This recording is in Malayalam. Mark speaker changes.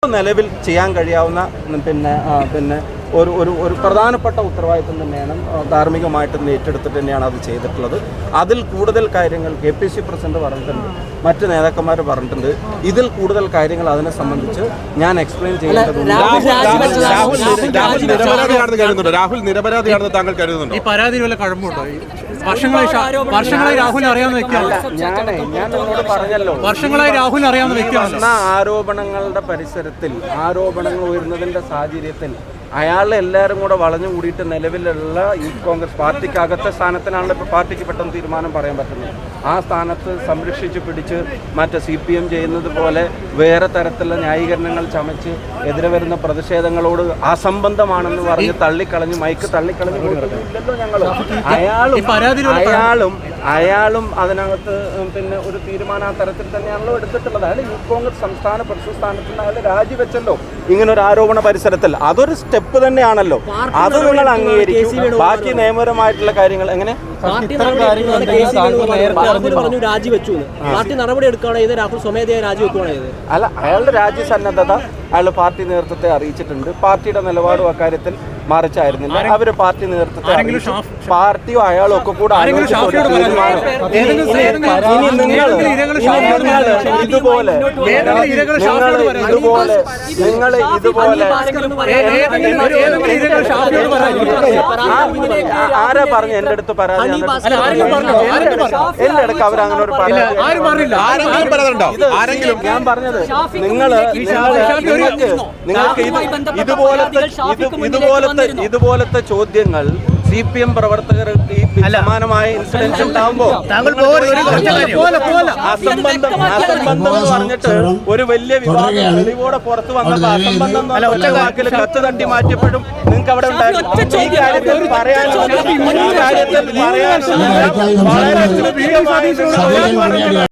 Speaker 1: നിലവിൽ ചെയ്യാൻ കഴിയാവുന്ന പിന്നെ ഒരു പ്രധാനപ്പെട്ട ഉത്തരവാദിത്വം തന്നെയാണ് ധാർമ്മികമായിട്ട് ഏറ്റെടുത്തിട്ട് തന്നെയാണ് അത് ചെയ്തിട്ടുള്ളത്. അതിൽ കൂടുതൽ കാര്യങ്ങൾ KPC പ്രസിഡന്റ് പറഞ്ഞിട്ടുണ്ട്, മറ്റ് നേതാക്കന്മാർ പറഞ്ഞിട്ടുണ്ട്. ഇതിൽ കൂടുതൽ കാര്യങ്ങൾ അതിനെ സംബന്ധിച്ച് ഞാൻ എക്സ്പ്ലെയിൻ ചെയ്യേണ്ടതുണ്ട്.
Speaker 2: രാഹുൽ നിരപരാധിയാണെന്ന് താങ്കൾ കരുതുന്നുണ്ടോ?
Speaker 3: ഈ പരാതിയിൽ വല്ല കഴമ്പുണ്ടോ? വർഷങ്ങളായി രാഹുൽ അറിയാവുന്ന വ്യക്തിയാണ്.
Speaker 1: ഞാൻ നിങ്ങളോട് പറഞ്ഞല്ലോ,
Speaker 3: വർഷങ്ങളായി രാഹുൽ അറിയാവുന്ന വ്യക്തിയാണ്.
Speaker 1: ആരോപണങ്ങളുടെ പരിസരത്തിൽ ആരോപണങ്ങൾ ഉയർന്നതിന്റെ സാഹചര്യത്തിൽ അയാളെ എല്ലാവരും കൂടെ വളഞ്ഞു കൂടിയിട്ട് നിലവിലുള്ള യൂത്ത് കോൺഗ്രസ് പാർട്ടിക്കകത്തെ സ്ഥാനത്തിനാണല്ലോ ഇപ്പോൾ പാർട്ടിക്ക് പെട്ടെന്ന് തീരുമാനം പറയാൻ പറ്റുന്നത്. ആ സ്ഥാനത്ത് സംരക്ഷിച്ച് പിടിച്ച് മറ്റേ CPM ചെയ്യുന്നത് പോലെ വേറെ തരത്തിലുള്ള ന്യായീകരണങ്ങൾ ചമച്ച് എതിരെ വരുന്ന പ്രതിഷേധങ്ങളോട് അസംബന്ധമാണെന്ന് പറഞ്ഞ് തള്ളിക്കളഞ്ഞ് മൈക്ക് തള്ളിക്കളഞ്ഞ് കൊടുത്തില്ലല്ലോ ഞങ്ങൾ. അയാളും അതിനകത്ത് പിന്നെ ഒരു തീരുമാനം ആ തരത്തിൽ തന്നെയാണല്ലോ എടുത്തിട്ടുള്ളത്. അയാൾ യൂത്ത് കോൺഗ്രസ് സംസ്ഥാന പ്രസിഡന്റ് സ്ഥാനത്ത് നിന്ന് അയാൾ രാജിവെച്ചല്ലോ ഇങ്ങനൊരു ആരോപണ പരിസരത്തിൽ. അതൊരു സ്റ്റെപ്പ് തന്നെയാണല്ലോ, അത് നിങ്ങൾ അംഗീകരിക്കും. ബാക്കി നിയമപരമായിട്ടുള്ള കാര്യങ്ങൾ എങ്ങനെ അല്ല, അയാളുടെ രാജ്യസന്നദ്ധത അയാൾ പാർട്ടി നേതൃത്വത്തെ അറിയിച്ചിട്ടുണ്ട്. പാർട്ടിയുടെ നിലപാടും അക്കാര്യത്തിൽ മറിച്ചായിരുന്നില്ല. അവര് പാർട്ടി നേതൃത്വത്തെ പാർട്ടിയോ അയാളും ഒക്കെ കൂടെ ആരാ പറഞ്ഞു എന്റെ അടുത്ത് പരാതി? എന്റെ അടുക്ക് അവരങ്ങനെ ഒരു ഞാൻ പറഞ്ഞത് നിങ്ങൾക്ക് ഇതുപോലത്തെ ചോദ്യങ്ങൾ CPM പ്രവർത്തകർക്ക് സമാനമായ ഇൻസിഡൻസ് ഉണ്ടാകുമ്പോൾ അസംബന്ധം എന്ന് പറഞ്ഞിട്ട് ഒരു വലിയ വിവാദം തെളിവോടെ പുറത്തു വന്നപ്പോൾ അസംബന്ധം വാക്കിൽ കത്ത് തട്ടി മാറ്റിയപ്പോഴും നിങ്ങൾക്ക് അവിടെ ഉണ്ടായിരുന്നു. ഈ കാര്യത്തിൽ പറയാൻ വളരെ